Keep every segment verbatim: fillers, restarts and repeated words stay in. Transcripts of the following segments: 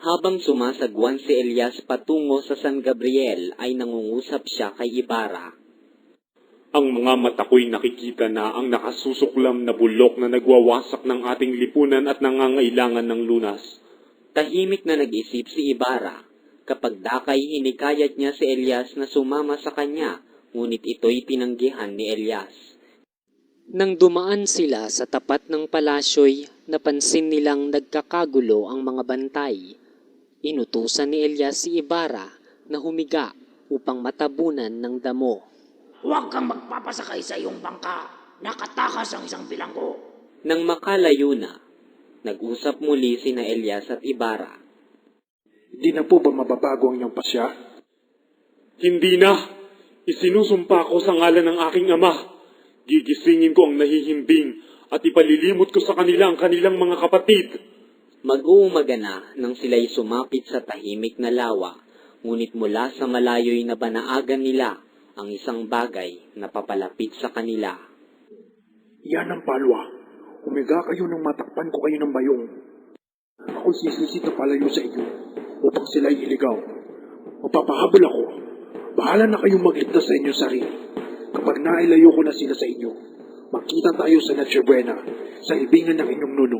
Habang sumasagwan si Elias patungo sa San Gabriel ay nangungusap siya kay Ibarra. Ang mga mata ko'y nakikita na ang nakasusuklam na bulok na nagwawasak ng ating lipunan at nangangailangan ng lunas. Tahimik na nag-isip si Ibarra. Kapag dakay hinikayat niya si Elias na sumama sa kanya, ngunit ito'y tinanggihan ni Elias. Nang dumaan sila sa tapat ng palasyo'y, napansin nilang nagkakagulo ang mga bantay. Inutusan ni Elias si Ibarra na humiga upang matabunan ng damo. Huwag kang magpapasakay sa iyong bangka. Nakatakas ang isang bilanggo. Nang makalayo na, nag-usap muli sina Elias at Ibarra. Hindi na po ba mababago ang iyong pasya? Hindi na! Isinusumpa ko sa ngalan ng aking ama. Gigisingin ko ang nahihimbing at ipalilimot ko sa kanila ang kanilang mga kapatid. Mag-uumaga na nang sila'y sumapit sa tahimik na lawa, ngunit mula sa malayo'y nabanaagan nila ang isang bagay na papalapit sa kanila. Yan ang palwa. Umiga kayo nang matakpan ko kayo ng bayong. Ako sisisit na palayo sa inyo upang sila'y iligaw. Mapapahabol ako. Bahala na kayong magligtas sa inyong sarili. Kapag nailayo ko na sila sa inyo, magkita tayo sa Noche Buena, sa libingan ng inyong nuno.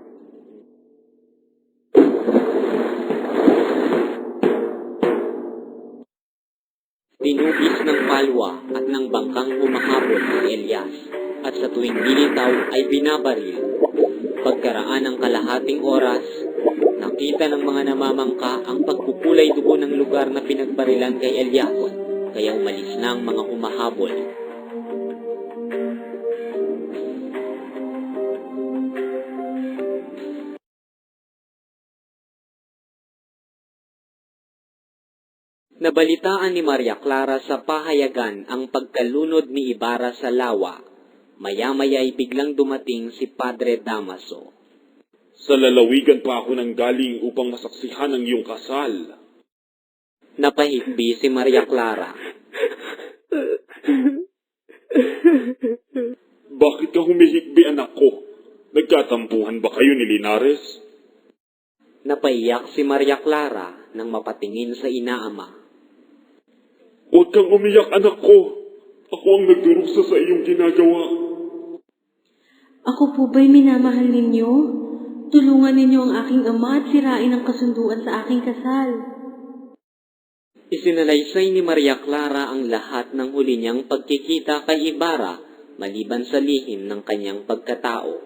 Tinubis ng palwa at ng bangkang humahabol si Elias, at sa tuwing dilitaw ay binabaril. Pagkaraan ng kalahating oras, nakita ng mga namamangka ang pagkukulay dugo ng lugar na pinagbarilan kay Elias, kaya umalis na ang mga humahabol. Nabalitaan ni Maria Clara sa pahayagan ang pagkalunod ni Ibarra sa lawa. Maya-maya ay biglang dumating si Padre Damaso. Sa lalawigan pa ako nang galing upang masaksihan ang iyong kasal. Napahikbi si Maria Clara. Bakit ka humihikbi, anak ko? Nagkatampuhan ba kayo ni Linares? Napaiyak si Maria Clara nang mapatingin sa inaama. Huwag kang umiyak, anak ko. Ako ang nagdurusa sa iyong ginagawa. Ako po ba'y minamahal ninyo? Tulungan ninyo ang aking ama at sirain ang kasunduan sa aking kasal. Isinalaysay ni Maria Clara ang lahat ng huli niyang pagkikita kay Ibarra maliban sa lihim ng kanyang pagkatao.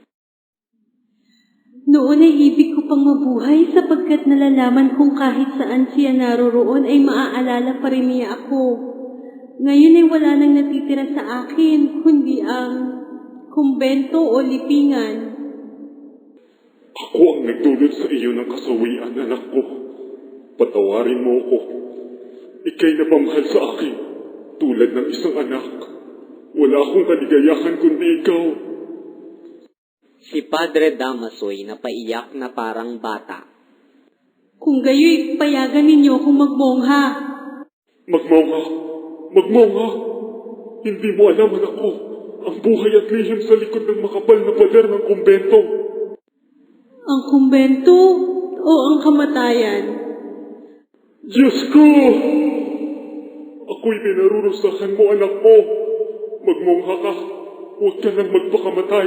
Noon ay ibig ko pang mabuhay sapagkat nalalaman kong kahit saan siya naroroon ay maaalala pa rin niya ako. Ngayon ay wala nang natitira sa akin kundi ang kumbento o lipingan. Ako ang nagdulot sa iyo ng kasawian, anak ko. Patawarin mo ako. Ika'y napamahal sa akin, tulad ng isang anak. Wala akong kaligayahan kundi ikaw. Si Padre Damaso'y napaiyak na parang bata. Kung gayo'y payagan ninyo akong magmongha. Magmongha! Magmongha! Hindi mo alam, anak ko, ang buhay at lihim sa likod ng makapal na pader ng kumbento. Ang kumbento o ang kamatayan? Diyos ko! Ako'y pinarurusahan mo, anak mo. Magmongha ka. Huwag ka nang magpakamatay.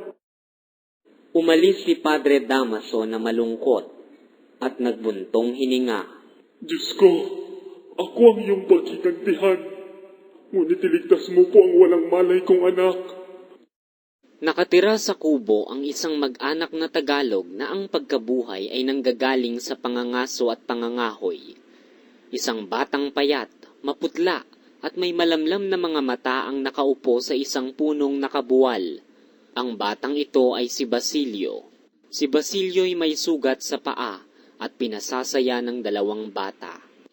Umalis si Padre Damaso na malungkot at nagbuntong hininga. Diyos ko, ako ang iyong paghigantihan. Ngunit iligtas mo po ang walang malay kong anak. Nakatira sa kubo ang isang mag-anak na Tagalog na ang pagkabuhay ay nanggagaling sa pangangaso at pangangahoy. Isang batang payat, maputla at may malamlam na mga mata ang nakaupo sa isang punong nakabuwal. Ang batang ito ay si Basilio. Si Basilio'y may sugat sa paa at pinasasaya ng dalawang bata.